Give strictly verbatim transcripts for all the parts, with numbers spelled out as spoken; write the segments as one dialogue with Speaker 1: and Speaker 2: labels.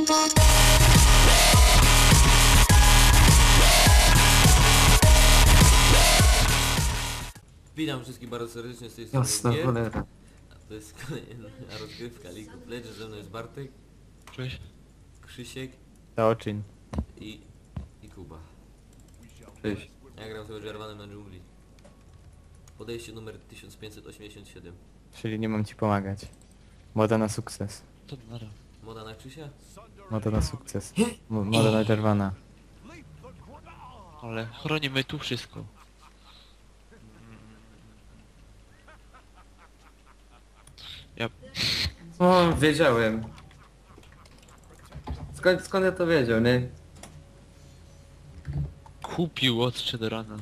Speaker 1: Witam wszystkich bardzo serdecznie z tej strony
Speaker 2: Jasna
Speaker 1: Gier.
Speaker 2: cholera.
Speaker 1: A to jest kolejna rozgrywka League of Legends, ze mną jest Bartek,
Speaker 3: Cześć.
Speaker 1: Krzysiek
Speaker 2: Teoczyn.
Speaker 1: i, i Kuba.
Speaker 2: Cześć.
Speaker 1: Ja gram sobie Jarvanem na dżungli. Podejście numer tysiąc pięćset osiemdziesiąt siedem.
Speaker 2: Czyli nie mam ci pomagać. Moda na sukces.
Speaker 3: To nara.
Speaker 1: Moda na Krzysia?
Speaker 2: Moda na sukces. M moda na Jarvana.
Speaker 3: Ale chronimy tu wszystko. Ja...
Speaker 2: O, wiedziałem. Skąd, skąd ja to wiedział, nie?
Speaker 3: Kupił od Chedorana.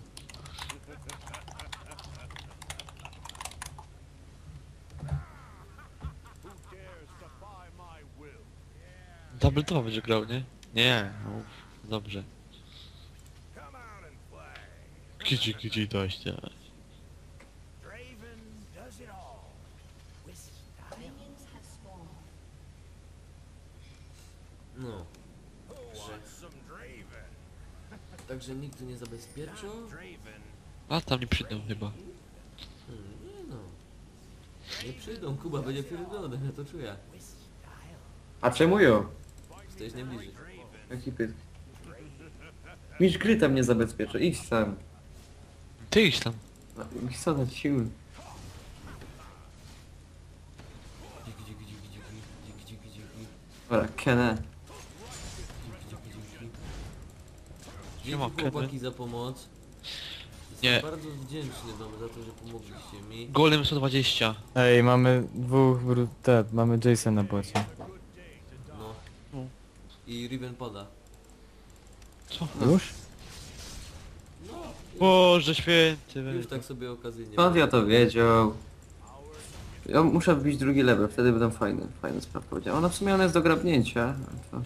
Speaker 3: Double to będzie grał, nie? Nie, uf, dobrze. Kici, kici, dość, dość.
Speaker 1: No. Że... Także nikt tu nie zabezpieczał?
Speaker 3: A tam nie przyjdą chyba.
Speaker 1: Hmm, nie no. Nie przyjdą, Kuba będzie pierdolony, ja to czuję.
Speaker 2: A czemu ją?
Speaker 1: Stoisz najbliżej.
Speaker 2: Jaki pyt? Mistrz gry tam nie zabezpieczy, idź sam.
Speaker 3: Ty idź tam.
Speaker 2: Idź co na siły.
Speaker 1: Dziki, dziki, dziki, dziki, dziki, dziki, dziki.
Speaker 2: Dobra, Kenę.
Speaker 1: Dzięki
Speaker 3: Siema, Kevin.
Speaker 1: chłopaki za pomoc.
Speaker 3: Nie.
Speaker 1: Jestem bardzo wdzięczny wam za to, że pomogliście mi.
Speaker 3: Golem sto dwadzieścia.
Speaker 2: Ej, mamy dwóch brute, mamy Jason na bocie.
Speaker 1: No.
Speaker 3: No.
Speaker 1: I Riven pada.
Speaker 3: Co?
Speaker 2: Już?
Speaker 3: Boże święty.
Speaker 1: Już tak sobie okazyjnie.
Speaker 2: Skąd ja to wiedział? Ja muszę wbić drugi level, wtedy będą fajne, fajne sprawy powiedział. Ona w sumie ona jest do grabnięcia. To...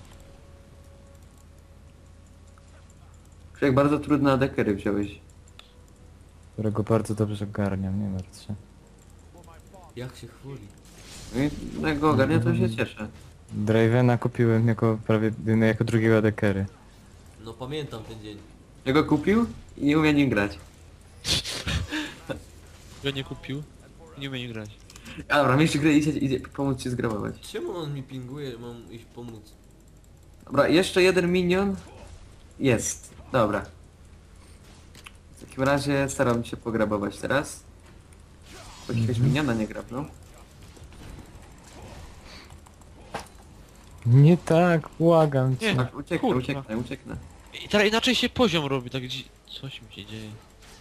Speaker 2: Jak bardzo trudne adekery wziąłeś. Którego bardzo dobrze ogarniam, nie martw się.
Speaker 1: Jak się chwali.
Speaker 2: No i jak go ogarnię, to się cieszę.
Speaker 4: Dravena kupiłem jako prawie no, jako drugiego adekery.
Speaker 1: No pamiętam ten dzień.
Speaker 2: Ja go kupił i nie umie nim grać.
Speaker 3: Go nie kupił. Nie umie nie grać.
Speaker 2: A dobra, mistrz gry idzie, idzie pomóc ci zgrabować.
Speaker 1: Czemu on mi pinguje, że mam iść pomóc?
Speaker 2: Dobra, jeszcze jeden minion. Jest. Dobra. W takim razie staram się pograbować teraz. Bo jakiegoś miniona nie grabną.
Speaker 4: Nie tak, błagam cię.
Speaker 3: Nie.
Speaker 2: Tak, ucieknę,
Speaker 3: Kurwa.
Speaker 2: ucieknę, ucieknę.
Speaker 3: I teraz inaczej się poziom robi, tak dzi... Coś mi się dzieje.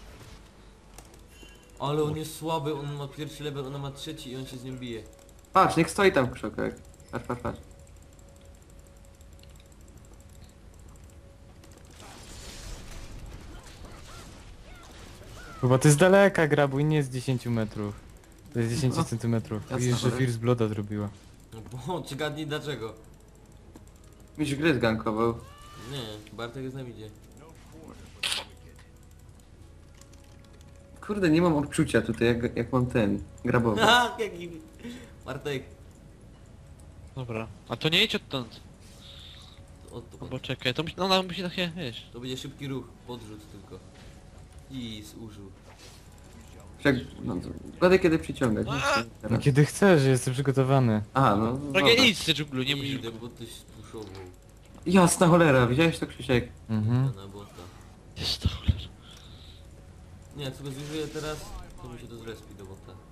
Speaker 1: Ale on jest słaby, on ma pierwszy level, ona ma trzeci i on się z nim bije.
Speaker 2: Patrz, niech stoi tam w krzokach. Patrz, patrz, patrz.
Speaker 4: Chyba to jest daleka grabuj, nie z dziesięciu metrów. To jest dziesięć
Speaker 2: No.
Speaker 4: centymetrów.
Speaker 2: Jasne,
Speaker 4: Widzisz, że
Speaker 2: dobra.
Speaker 4: First Blooda zrobiła.
Speaker 1: No bo czy gadnij dlaczego?
Speaker 2: Mistrz gry zgankował.
Speaker 1: Nie, Bartek jest na midzie.
Speaker 2: Kurde, nie mam odczucia tutaj, jak, jak mam ten, grabowy.
Speaker 1: Ha, jaki... Bartek.
Speaker 3: Dobra. A to nie idź odtąd.
Speaker 1: O, to,
Speaker 3: Bo czekaj, to musi, no ona musi takie, wiesz.
Speaker 1: to będzie szybki ruch, podrzut tylko. I zużył.
Speaker 2: Jak, no, to, Godę kiedy przyciągać. nie chcę
Speaker 4: No
Speaker 2: teraz.
Speaker 4: kiedy chcesz, jestem przygotowany.
Speaker 2: Aha, no.
Speaker 3: Takie
Speaker 2: dobra.
Speaker 3: idź z dżunglu, nie musisz.
Speaker 1: Idę, bo tyś puszował.
Speaker 2: Jasna cholera, widziałeś to, Krzysiek?
Speaker 4: Mhm.
Speaker 1: Na bota.
Speaker 3: Jest to cholera.
Speaker 1: Nie, jak sobie zużyję teraz, to mi się to zrespi do bota. Dobra.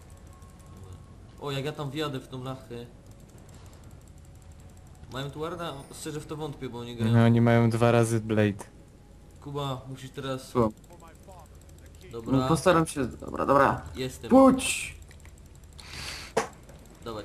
Speaker 1: O, jak ja tam wjadę w tą lachę. Mają tu warda? Szczerze w to wątpię, bo oni grają.
Speaker 4: No, oni mają dwa razy Blade.
Speaker 1: Kuba, musisz teraz...
Speaker 2: Co?
Speaker 1: Dobra,
Speaker 2: No postaram się, dobra, dobra.
Speaker 1: jestem.
Speaker 2: Puść!
Speaker 1: Dawać.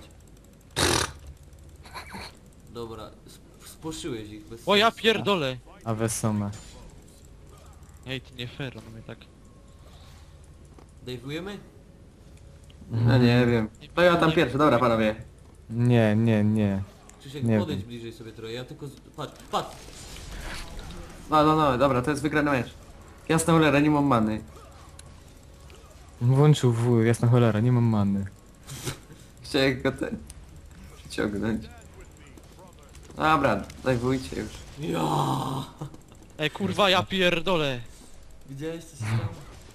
Speaker 1: Dobra, sp- spłoszyłeś ich bez
Speaker 3: O ja
Speaker 1: sensu.
Speaker 3: pierdolę!
Speaker 4: A Wesoma.
Speaker 3: Ej, to nie fair, on mnie tak...
Speaker 1: Dajwujemy?
Speaker 2: No nie wiem. To ja tam pierwszy, dobra panowie.
Speaker 4: Nie, nie, nie.
Speaker 1: Krzysiek,
Speaker 4: Nie
Speaker 1: podejdź
Speaker 4: wiem.
Speaker 1: bliżej sobie trochę, ja tylko... Z... Patrz, patrz!
Speaker 2: No, no, no, dobra, to jest wygrany mecz. Jasna cholera, nie mam many.
Speaker 4: Włączył W, jasna cholera, nie mam many.
Speaker 2: Chciałem go ten... przyciągnąć. Dobra, dajwujcie już.
Speaker 1: Ja.
Speaker 3: Ej kurwa, ja pierdolę.
Speaker 1: Widziałeś co się stało?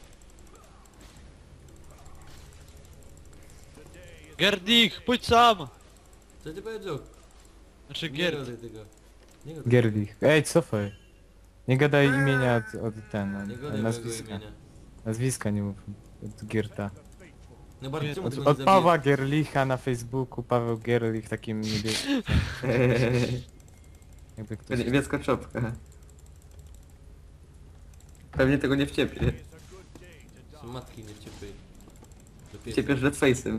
Speaker 3: Gerdik, pójdź sam!
Speaker 1: Co ty powiedział?
Speaker 3: Znaczy
Speaker 1: Nie
Speaker 3: Gerd.
Speaker 1: gadaj tego. Nie gadaj.
Speaker 4: Gerlich. Ej, cofaj. Nie gadaj imienia od, od ten,
Speaker 1: Nie
Speaker 4: od,
Speaker 1: gadaj mojego
Speaker 4: nazwiska.
Speaker 1: imienia.
Speaker 4: Nazwiska nie mów. Od Gierta.
Speaker 1: No bardzo czemu
Speaker 4: Od,
Speaker 1: tego nie
Speaker 4: od Pawła
Speaker 1: zabijesz?
Speaker 4: Gerlicha na Facebooku, Paweł Gerlich takim niebieskim. Jakby ktoś...
Speaker 2: Niebieska czopka. Pewnie tego nie wciepie.
Speaker 1: Są matki nie wciepy.
Speaker 2: Wciepiesz red face'em.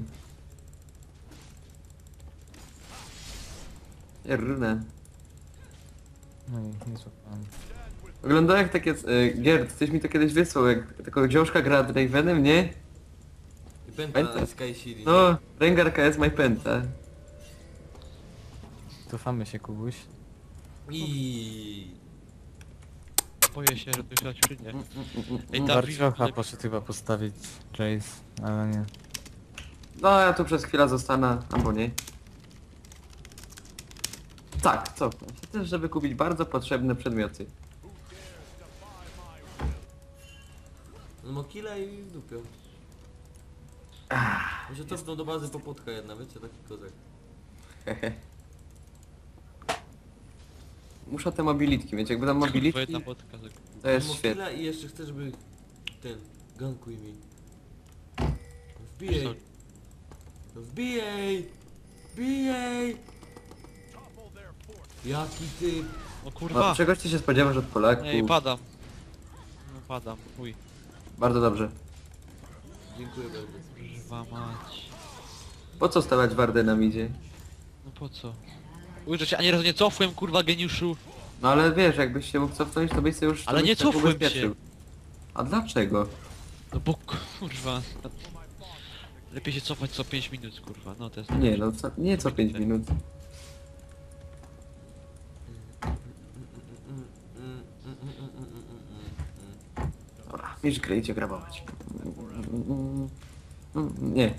Speaker 2: Runa.
Speaker 4: No i nie słucham.
Speaker 2: Oglądałem jak takie... E, Gerd, ktoś mi to kiedyś wysłał, jak taką książka gra Dravenem, nie?
Speaker 1: I pęta
Speaker 2: Pęta.
Speaker 1: Sky City.
Speaker 2: No, Rengar K S My Penta.
Speaker 4: Cofamy się, Kubuś.
Speaker 1: I
Speaker 3: Boję się, że to się czy nie. Ej, Dawid,
Speaker 4: Barciocha
Speaker 3: ale-
Speaker 4: poszedł chyba postawić Jace, ale nie.
Speaker 2: No, ja tu przez chwilę zostanę, albo nie. Tak, cofnę się też, żeby kupić bardzo potrzebne przedmioty.
Speaker 1: no ma killa i dupią. Mi się cofnął do bazy popotka jedna, wiecie, taki kozak.
Speaker 2: Hehe. Muszę te mobilitki mieć, jakby tam
Speaker 3: Kurwa,
Speaker 2: mobilitki,
Speaker 3: jedna podka. tak.
Speaker 2: to jest
Speaker 1: Ma
Speaker 2: świetne.
Speaker 1: killa i jeszcze chcę, żeby ten, gankuj mi. Wbijaj! No wbijaj! Wbijaj! Jaki ty?
Speaker 3: O
Speaker 2: No,
Speaker 3: kurwa!
Speaker 2: czegoś ty się spodziewasz od Polaków?
Speaker 3: Ej, padam. No padam, chuj.
Speaker 2: Bardzo dobrze.
Speaker 1: Dziękuję bardzo.
Speaker 3: Kurwa mać.
Speaker 2: Po co stawiać wardę na midzie?
Speaker 3: No po co? Ujrzę się, ani razu nie cofłem, kurwa geniuszu.
Speaker 2: No ale wiesz, jakbyś się mógł cofnąć, to byś się już... to
Speaker 3: Ale
Speaker 2: byś
Speaker 3: nie
Speaker 2: tak
Speaker 3: cofłem
Speaker 2: ubezpieczył.
Speaker 3: się.
Speaker 2: A dlaczego?
Speaker 3: No bo kurwa. Lepiej się cofać co pięć minut, kurwa. No to jest...
Speaker 2: Nie no, co, nie co pięć minut. Dobra, mistrz gry idzie grabować. Nie.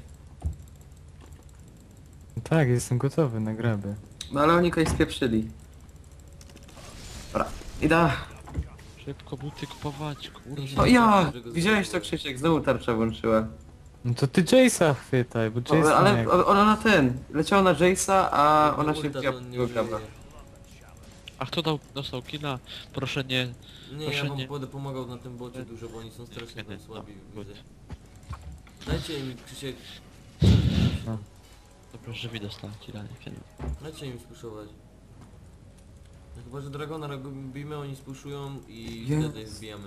Speaker 4: Tak, jestem gotowy na graby.
Speaker 2: No ale oni kogoś spieprzyli. Dobra, idę.
Speaker 3: Szybko buty kupować, kurwa.
Speaker 2: O ja! Widziałeś to, Krzysiek? Znowu tarcza włączyła.
Speaker 4: No to ty Jace'a chwytaj, bo
Speaker 2: O,
Speaker 4: Jace
Speaker 2: ale
Speaker 4: nie...
Speaker 2: o- ona na ten. Leciała na Jace'a, a
Speaker 1: Jak
Speaker 2: ona
Speaker 1: ma
Speaker 2: się
Speaker 1: ulta,
Speaker 2: wbiła
Speaker 1: to
Speaker 2: w
Speaker 1: nie
Speaker 2: tego graba.
Speaker 1: użyje.
Speaker 3: A kto dał, dostał killa? Proszę nie...
Speaker 1: Nie,
Speaker 3: Proszę
Speaker 1: ja wam
Speaker 3: nie.
Speaker 1: będę pomagał na tym bocie dużo, bo oni są strasznie
Speaker 3: Nie, nie,
Speaker 1: tam słabi,
Speaker 3: no,
Speaker 1: widzę.
Speaker 3: good.
Speaker 1: Dajcie im, Krzysiek,
Speaker 4: No.
Speaker 3: Dobra, że mi dostałem killa, nie wiem.
Speaker 1: dajcie im spuszować. No chyba, że Dragona robimy, oni spuszują i
Speaker 2: Jest.
Speaker 1: wtedy wbijamy.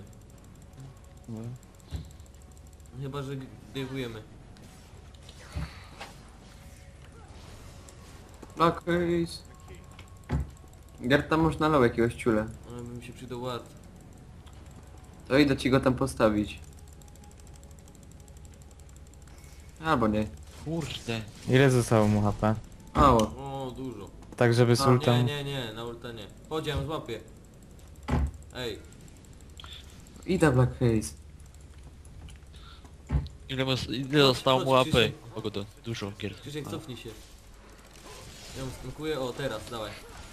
Speaker 1: Chyba, że dejwujemy.
Speaker 2: Blackface. Gerd, tam można lał jakiegoś ciula.
Speaker 1: Ale by mi się przydał ład.
Speaker 2: To idę ci go tam postawić. Albo nie.
Speaker 3: Kurde.
Speaker 4: Ile zostało mu H P?
Speaker 2: Mało.
Speaker 1: O, dużo.
Speaker 4: Tak, żeby z
Speaker 2: A,
Speaker 4: ultą...
Speaker 1: Nie, nie, nie, na ulta nie. Chodź, ja ją złapię. Ej,
Speaker 2: Idę Blackface.
Speaker 3: Ile, mu, ile zostało mu A
Speaker 1: chodź,
Speaker 3: P?
Speaker 1: Krzysiek.
Speaker 3: O, go do, dużo gier.
Speaker 1: Krzysiek, cofnij się. Ja ją skankuję, o teraz, dawaj.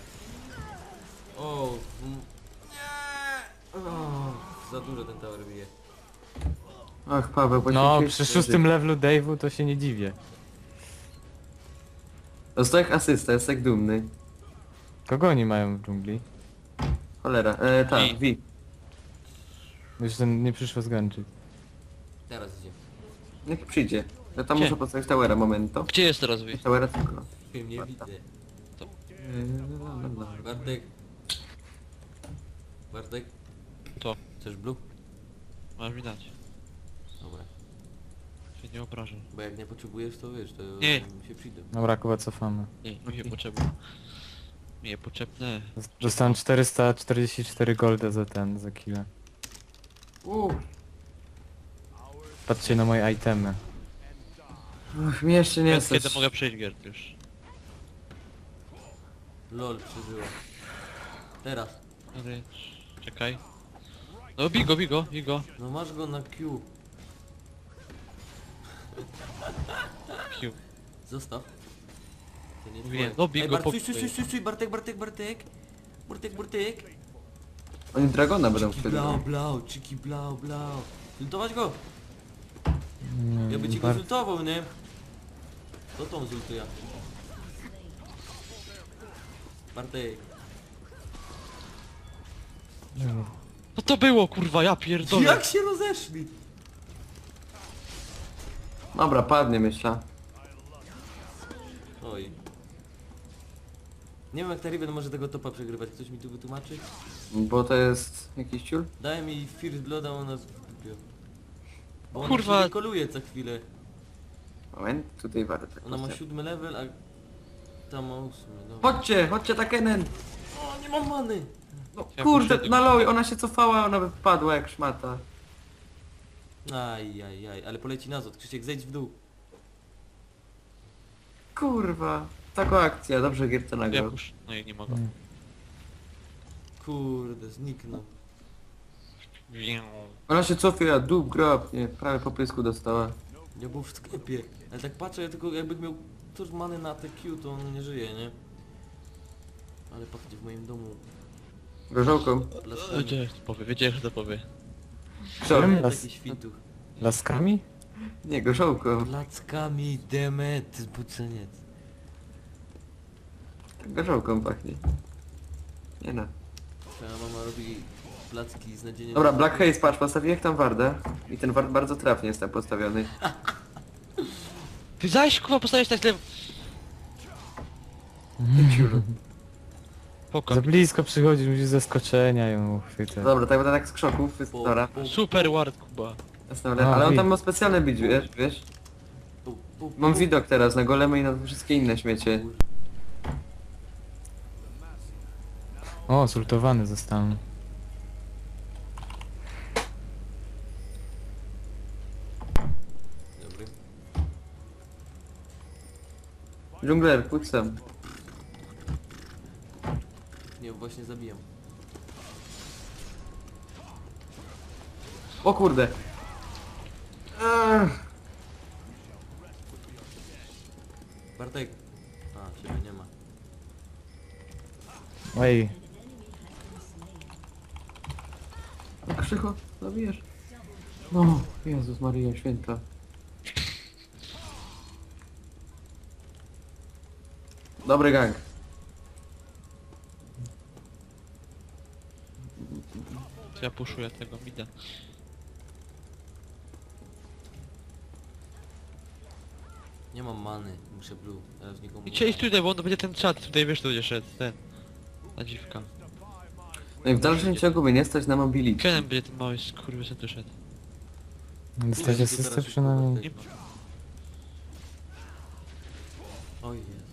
Speaker 1: O, mm, nie! O, za dużo ten tower bije.
Speaker 2: Ach, Paweł,
Speaker 4: No,
Speaker 2: poświęciłeś
Speaker 4: przy
Speaker 2: swój
Speaker 4: szóstym
Speaker 2: życie.
Speaker 4: levelu Dave'u to się nie dziwię.
Speaker 2: Dostałeś asysta, jest tak dumny.
Speaker 4: Kogo oni mają w dżungli?
Speaker 2: Cholera, e, tak,
Speaker 3: I-
Speaker 2: Wi.
Speaker 4: Już ten nie przyszło zgańczyć.
Speaker 1: Teraz idzie.
Speaker 2: Niech przyjdzie. Ja tam
Speaker 3: Gdzie?
Speaker 2: muszę postawić towera, momento.
Speaker 3: Gdzie jest teraz wy?
Speaker 2: Towera tylko.
Speaker 1: Wiem, nie widzę.
Speaker 3: To-
Speaker 1: Bartek. Bartek,
Speaker 3: To.
Speaker 1: chcesz blue?
Speaker 3: Masz mi dać.
Speaker 1: Dobra.
Speaker 3: Się nie obrażę.
Speaker 1: Bo jak nie potrzebujesz, to wiesz, to
Speaker 3: Nie.
Speaker 1: mi się przyjdą.
Speaker 4: Dobra, Kuba, cofamy.
Speaker 3: Nie, mi się potrzebne. Mi je potrzebne.
Speaker 4: Dostałem czterysta czterdzieści cztery golda za ten, za killę.
Speaker 2: Uuu.
Speaker 4: Patrzcie na moje itemy.
Speaker 2: Ach, mnie jeszcze nie
Speaker 3: Kiedy,
Speaker 2: jest.
Speaker 3: kiedy mogę przejść Gerd już?
Speaker 1: Lol, przeżyła. Teraz.
Speaker 3: Ale... Czekaj. No bigo, bigo, bigo.
Speaker 1: No masz go na Q.
Speaker 3: Q.
Speaker 1: Zostaw. To nie
Speaker 3: Mówiłem,
Speaker 1: twoje.
Speaker 3: dobij
Speaker 1: Ej,
Speaker 3: go
Speaker 1: Bart,
Speaker 3: po
Speaker 1: stój, stój, stój, stój, stój, Bartek, Bartek, Bartek. Bartek, Bartek.
Speaker 2: Oni Dragona będą
Speaker 1: Czyki
Speaker 2: wtedy.
Speaker 1: blau, blau, czyki blau, blau. Zultować go?
Speaker 4: Nie,
Speaker 1: Ja by ci go
Speaker 4: Bart-
Speaker 1: zultował, nie? To tą zultuję. Bartek.
Speaker 3: Co to było kurwa, ja pierdolę.
Speaker 1: Jak się rozeszli?
Speaker 2: Dobra, padnie myślę.
Speaker 1: Oj. Nie wiem jak ta Riven może tego topa przegrywać. Ktoś mi tu wytłumaczy?
Speaker 2: Bo to jest jakiś ciul?
Speaker 1: Daj mi First Blood, a ona zgubiła. Bo ona
Speaker 3: Kurwa.
Speaker 1: się koluje co chwilę.
Speaker 2: Moment, tutaj warto tak
Speaker 1: Ona ma
Speaker 2: postawić.
Speaker 1: siódmy level, a tam ma ósmy. Dobra.
Speaker 2: Chodźcie, chodźcie Takenen!
Speaker 1: O, nie mam many!
Speaker 2: No
Speaker 3: Ja
Speaker 2: kurde,
Speaker 3: poszedłem.
Speaker 2: na low, ona się cofała, ona by wpadła jak szmata.
Speaker 1: Aj, aj, aj, ale poleci nazad. Krzysiek, zejdź w dół.
Speaker 2: Kurwa. Taka akcja, dobrze Gierce
Speaker 3: Ja
Speaker 2: nagrał.
Speaker 3: pusz... No i nie mogę.
Speaker 4: Mm.
Speaker 1: Kurde, zniknął.
Speaker 3: Miau.
Speaker 2: Ona się cofie, a dób grab, nie, prawie po pysku dostała.
Speaker 1: Ja był w sklepie. Ale tak patrzę, ja tylko jakby miał tuż many na te Q, to on nie żyje, nie? Ale patrzcie, w moim domu.
Speaker 2: Gorzołką.
Speaker 1: Plaskami.
Speaker 3: Wiedziałem, że to powie, wiedziałem, że to powie.
Speaker 2: Co?
Speaker 4: Którym?
Speaker 1: Nie
Speaker 4: Las-
Speaker 1: taki śwituch.
Speaker 4: Laskami?
Speaker 2: Nie, gorzołką.
Speaker 1: Plackami, demet, zbuceniec.
Speaker 2: Gorzołką pachnie. Nie no.
Speaker 1: Twoja mama robi placki z nadzieniem...
Speaker 2: Dobra, Black Haze, patrz, postawiłem tam wardę. I ten ward bardzo trafnie jest tam postawiony.
Speaker 3: Ty zaś kurwa postawiłeś tak źle.
Speaker 2: Ciulu.
Speaker 3: Poko.
Speaker 4: Za blisko przychodzisz, musisz zaskoczenia ją uchwytać.
Speaker 2: Dobra, tak będę tak z krzoków,
Speaker 1: Po,
Speaker 2: dobra.
Speaker 1: po,
Speaker 3: Super ward Kuba.
Speaker 2: Jasne, ale, ale on tam ma specjalny bić, wiesz, wiesz?
Speaker 1: po, po,
Speaker 2: Mam widok teraz na golemy i na wszystkie inne śmiecie.
Speaker 4: O, zultowany zostałem.
Speaker 1: Dobry.
Speaker 2: Dżungler, pójdź sam.
Speaker 1: Nie, właśnie zabijam.
Speaker 2: O kurde. Ech.
Speaker 1: Bartek. A, ciebie nie ma.
Speaker 4: Ej,
Speaker 2: Krzycho, zabijesz. No, Jezus Maryja Święta. Dobry gang.
Speaker 3: To ja puszuję tego mida.
Speaker 1: Nie mam many, muszę blue. Teraz nikomu
Speaker 3: I
Speaker 1: nie
Speaker 3: cię iść
Speaker 1: dam.
Speaker 3: tutaj, bo on będzie ten czat, tutaj wiesz, tu będzie szedł, ten. Ta dziwka.
Speaker 2: No i w dalszym ciągu mnie nie stać na mobility.
Speaker 3: Kenem będzie ten mały skurwysyn tu szedł.
Speaker 4: dostać
Speaker 1: Kurde,
Speaker 4: asystę
Speaker 1: teraz
Speaker 4: przynajmniej.
Speaker 1: szybko Bartek. Oj jest.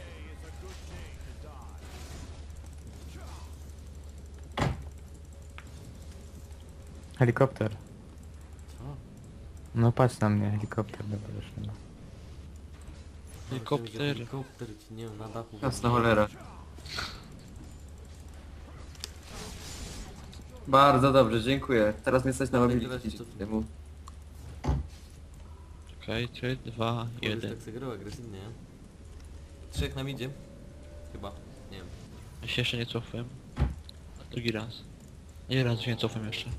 Speaker 4: Helikopter.
Speaker 1: Co?
Speaker 4: No patrz na mnie, helikopter dobra wyszedł.
Speaker 3: Helikopter.
Speaker 1: Helikopter ci nie wiem, na dachu.
Speaker 2: Jasna cholera. Bardzo dobrze, dziękuję. Teraz mnie stać na
Speaker 1: Dobra,
Speaker 2: mobility.
Speaker 1: teraz jeszcze-
Speaker 2: Temu.
Speaker 3: Czekaj, trzy, dwa,
Speaker 1: Jeden.
Speaker 3: jeden.
Speaker 1: Tak zagrał agresywnie, nie? Trzech nam idzie. Chyba. Nie wiem.
Speaker 3: Ja się jeszcze nie cofłem. Drugi raz. Nie raz się nie cofam jeszcze.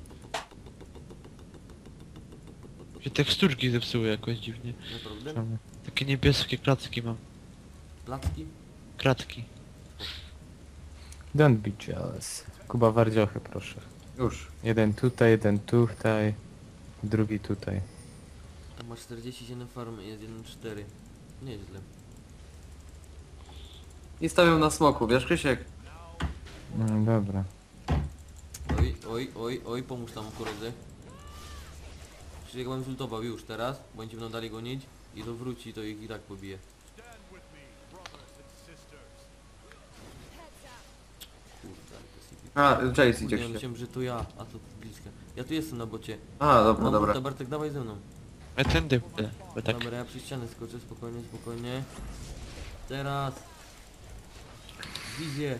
Speaker 3: Się teksturki zepsuły jakoś dziwnie.
Speaker 1: Naprawdę?
Speaker 4: Czemu?
Speaker 3: Takie niebieskie klatki mam.
Speaker 1: Placki?
Speaker 3: Kratki.
Speaker 4: Don't be jealous. Kuba wardziochy proszę.
Speaker 2: Już.
Speaker 4: Jeden tutaj, jeden tutaj, drugi tutaj.
Speaker 1: Tam masz czterdzieści siedem farm i jest jeden cztery. Nieźle.
Speaker 2: I stawiam na smoku, wiesz Krzysiek?
Speaker 4: No dobra.
Speaker 1: Oj, oj, oj, oj, pomóż tam koledze. Krzysiek mam zultował już teraz, bo oni ci będą dalej gonić i to wróci, to ich i tak pobije. Kurde, ale to jest hippie.
Speaker 2: A, Jace idzie
Speaker 1: Kurde, ja
Speaker 2: Krzysiek.
Speaker 1: myślałem, że to ja, a to bliska. Ja tu jestem na bocie.
Speaker 2: A, dobra,
Speaker 1: Mam
Speaker 2: dobra.
Speaker 1: bota, Bartek, dawaj ze mną.
Speaker 3: Ja tędy będę, bo tak.
Speaker 1: Dobra, ja przy ścianę skoczę, spokojnie, spokojnie. Teraz. Wizję.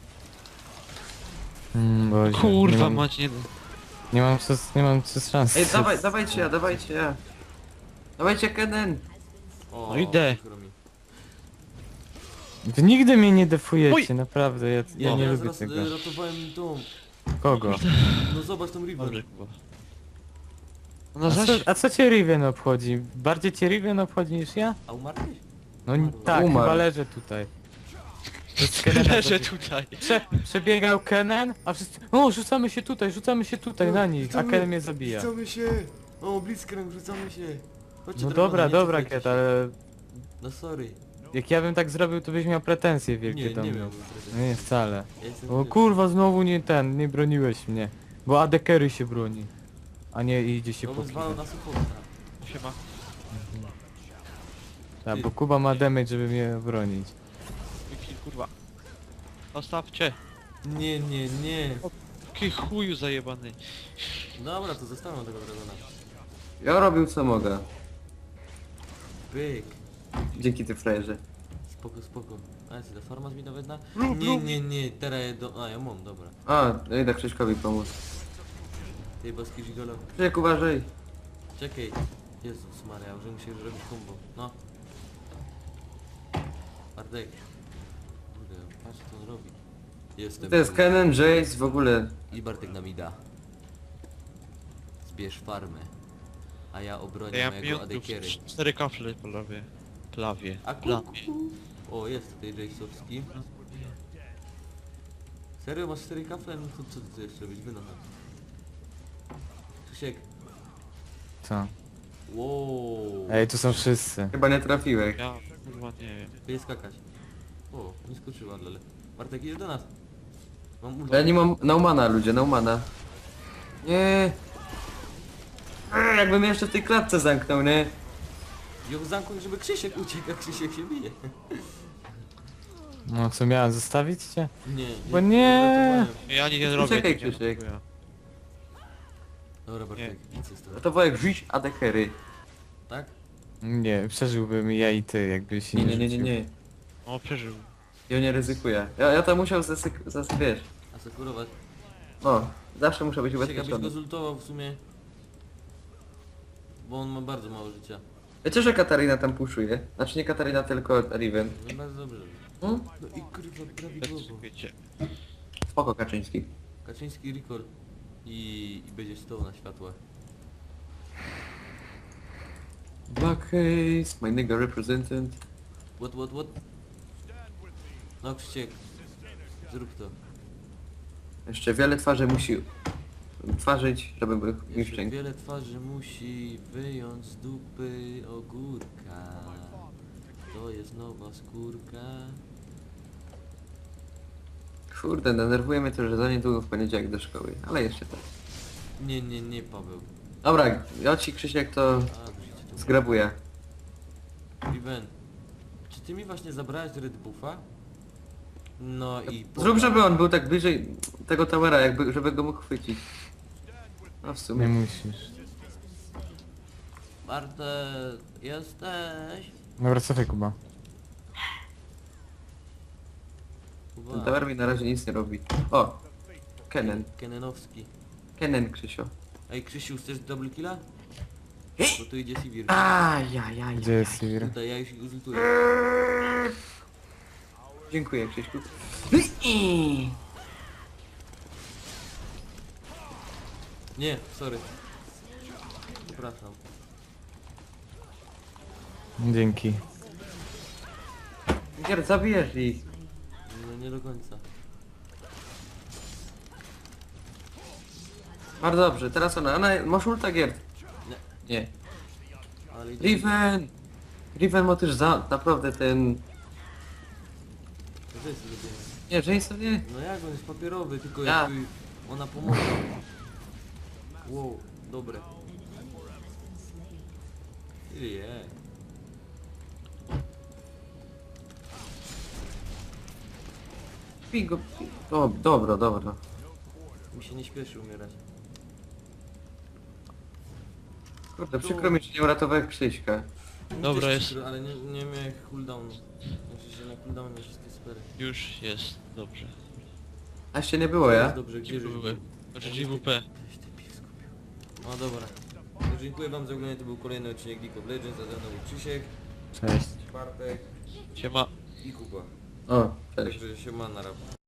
Speaker 4: Mm, Boże, nie
Speaker 3: Kurwa
Speaker 4: mam,
Speaker 3: mać, nie...
Speaker 4: nie mam przez, nie mam przez szans.
Speaker 2: Ej, dawaj, dawajcie ja, dawajcie ja. Dawajcie Kenen.
Speaker 1: O,
Speaker 3: No idę.
Speaker 1: przykro mi.
Speaker 4: Wy nigdy mnie nie defujecie,
Speaker 3: Oj!
Speaker 4: naprawdę, ja, ja
Speaker 1: Ja
Speaker 4: nie
Speaker 1: teraz
Speaker 4: lubię
Speaker 1: raz,
Speaker 4: tego.
Speaker 1: e, ratowałem tą.
Speaker 4: Kogo?
Speaker 1: No zobacz tą Riven.
Speaker 3: Dobrze, Kuba. Ona
Speaker 4: A co,
Speaker 3: zaś...
Speaker 4: a co cię Riven obchodzi? Bardziej cię Riven obchodzi niż ja?
Speaker 1: A umarłeś?
Speaker 4: No n-
Speaker 1: Umarł.
Speaker 4: tak,
Speaker 2: Umarł.
Speaker 4: chyba leżę tutaj. To z Kenena
Speaker 3: Leżę
Speaker 4: to-
Speaker 3: tutaj.
Speaker 4: Prze przebiegał Kenen, a wszyscy... O, rzucamy się tutaj, rzucamy się tutaj na nich, a
Speaker 1: Rzucamy-
Speaker 4: Kenen mnie zabija.
Speaker 1: Rzucamy się! O, Blitzcrank, rzucamy się! Chodźcie,
Speaker 4: No
Speaker 1: drewno,
Speaker 4: dobra,
Speaker 1: nie
Speaker 4: dobra,
Speaker 1: cofajcie
Speaker 4: Ket,
Speaker 1: się.
Speaker 4: ale
Speaker 1: No sorry.
Speaker 4: jak ja bym tak zrobił, to byś miał pretensje wielkie
Speaker 1: Nie,
Speaker 4: do
Speaker 1: nie
Speaker 4: mnie.
Speaker 1: miałbym
Speaker 4: No
Speaker 1: pretensji.
Speaker 4: nie, wcale.
Speaker 1: Ja jestem
Speaker 4: O
Speaker 1: grzeczny.
Speaker 4: kurwa, znowu nie ten, nie broniłeś mnie. Bo Adekery się broni. A nie idzie się
Speaker 1: To
Speaker 4: po
Speaker 1: bym zwalał na supporta.
Speaker 3: Siema.
Speaker 4: Tak, bo Kuba ma damage, żeby mnie bronić.
Speaker 3: Mój kill, kurwa. Zostawcie.
Speaker 1: Nie, nie, nie.
Speaker 3: Jaki chuju zajebany.
Speaker 1: Dobra, to zostawiam tego dragona.
Speaker 2: Ja robił co mogę.
Speaker 1: Pyk.
Speaker 2: Dzięki ty frajerze.
Speaker 1: Spoko, spoko. A jest ta farma mi nawet na...
Speaker 3: Lub,
Speaker 1: Nie,
Speaker 3: lub.
Speaker 1: nie, nie, teraz je do... A, ja mam, dobra.
Speaker 2: A, ja idę Krzyśkowi pomóc.
Speaker 1: Ty boski żigolo.
Speaker 2: Krzysiek, uważaj.
Speaker 1: Czekaj. Jezus Maria, że muszę zrobić combo. No. Bartek. Kurde, patrz co on robi. Jestem.
Speaker 2: To jest Kennen, Jace, w ogóle.
Speaker 1: I Bartek nam da. Zbierz farmę. A ja obronię
Speaker 3: Ja
Speaker 1: mojego
Speaker 3: miałem
Speaker 1: adekiery.
Speaker 3: cztery kafle po lewie. Plawie.
Speaker 1: A kuku.
Speaker 3: Plawie.
Speaker 1: O, jest tutaj Jace'owski. Serio, masz cztery kafle? No to co ty tu jeszcze robić? Wynocha. Krzysiek.
Speaker 4: Co?
Speaker 1: Wow.
Speaker 4: Ej, tu są wszyscy.
Speaker 2: Chyba nie trafiłeś.
Speaker 3: Ja kurwa nie wiem.
Speaker 1: Będzie skakać. O, nie skoczyła, ale... Bartek, idzie do nas. Mam ulta.
Speaker 2: Ja nie mam Naumana, ludzie, Naumana. Nie. Eee, Jakbym jeszcze w tej klatce zamknął, nie?
Speaker 1: Ją zamknąć, żeby Krzysiek uciekł, a Krzysiek się bije.
Speaker 4: No co, miałem zostawić cię?
Speaker 1: Nie.
Speaker 4: Bo nie.
Speaker 1: uratowałem.
Speaker 3: Ja nie
Speaker 2: Poczekaj,
Speaker 3: robię. nie
Speaker 2: Krzysiek.
Speaker 3: robię.
Speaker 1: Dobra, Bartek, idź z tego.
Speaker 2: No to Wojek, rzuć adekery.
Speaker 1: Tak?
Speaker 4: Nie, przeżyłbym ja i ty, jakbyś się
Speaker 2: Nie,
Speaker 4: nie
Speaker 2: nie, nie, nie,
Speaker 4: rzucił.
Speaker 2: nie.
Speaker 3: O, przeżył.
Speaker 2: Ja nie ryzykuję. Ja, ja to musiał zasyk... zas... wiesz.
Speaker 1: Asekurować.
Speaker 2: No, zawsze muszę być
Speaker 1: Krzysiek, abyś go
Speaker 2: ubezpieczony.
Speaker 1: zultował w sumie. Bo on ma bardzo mało życia.
Speaker 2: Wiecie, że Katarina tam puszuje? Znaczy nie Katarina, tylko Riven.
Speaker 1: No bardzo dobrze.
Speaker 2: Hmm?
Speaker 1: No i kurwa,
Speaker 3: Też
Speaker 1: prawidłowo.
Speaker 3: wiecie.
Speaker 2: Spoko, Kaczyński.
Speaker 1: Kaczyński recall. I, i będzie stał na światłach.
Speaker 2: Blackface, my nigga representant.
Speaker 1: What, what, what? No Krzysiek. Zrób to.
Speaker 2: Jeszcze wiele twarzy musi twarzyć, żeby był
Speaker 1: Jeszcze
Speaker 2: mistrz.
Speaker 1: wiele twarzy musi wyjąć z dupy ogórka. To jest nowa skórka.
Speaker 2: Kurde, denerwuje mnie to, że za niedługo w poniedziałek do szkoły, ale jeszcze tak.
Speaker 1: Nie, nie, nie Paweł.
Speaker 2: Dobra, ja ci Krzysiek to
Speaker 1: A, wrzucicie to.
Speaker 2: zgrabuję.
Speaker 1: Riven. Czy ty mi właśnie zabrałeś Red Buffa? No i...
Speaker 2: Zrób, żeby on był tak bliżej tego towera, jakby, żeby go mógł chwycić. No w
Speaker 4: Nie
Speaker 2: sumie.
Speaker 4: musisz.
Speaker 1: Bartek, jesteś?
Speaker 4: Dobra, cofaj Kuba.
Speaker 2: Ten
Speaker 1: Uwaga.
Speaker 2: tower mi na razie nic nie robi. O! Kennen.
Speaker 1: Kenenowski.
Speaker 2: Kennen, Krzysio.
Speaker 1: Ej Krzysiu, chcesz double killa? Bo tu idzie Sivir.
Speaker 2: Ajajaj.
Speaker 4: Gdzie jest Sivir?
Speaker 1: Tutaj ja już ich uzultuję.
Speaker 2: Dziękuję, Krzyśku.
Speaker 1: Nie, sorry. Przepraszam.
Speaker 4: Dzięki.
Speaker 2: Gier, zabijesz ich.
Speaker 1: No nie do końca.
Speaker 2: Bardzo dobrze, teraz ona, ona, masz ulta Gier.
Speaker 1: Nie.
Speaker 2: Nie.
Speaker 1: Ale idzie.
Speaker 2: Riven! Riven ma też za, naprawdę ten...
Speaker 1: To jest lubię.
Speaker 2: Nie, Jason nie.
Speaker 1: No jak on jest papierowy, tylko
Speaker 2: Ja.
Speaker 1: jak tu ona pomoże. Wow, dobre. Je.
Speaker 2: Pingo, o, dobra, dobra.
Speaker 1: Mi się nie śpieszy umierać.
Speaker 2: Kurde, przykro mi, że nie uratowałem Krzyśka.
Speaker 1: Mi
Speaker 3: Dobra,
Speaker 1: też
Speaker 3: jest.
Speaker 1: przykro, ale nie, nie miałem cooldownu. Znaczy się na cooldownie wszystkie sfery.
Speaker 3: Już jest. Dobrze.
Speaker 2: A jeszcze nie było,
Speaker 1: Jest
Speaker 2: ja?
Speaker 1: dobrze, gdzie
Speaker 3: Gdzie były? Znaczy G W P.
Speaker 1: Weź ty pies kupił. No dobra. To dziękuję wam za oglądanie, to był kolejny odcinek League of Legends, a ze mną był Krzysiek,
Speaker 4: Cześć.
Speaker 1: Bartek
Speaker 3: Siema.
Speaker 1: i Kuba.
Speaker 2: O, cześć.
Speaker 1: Także się ma na rap.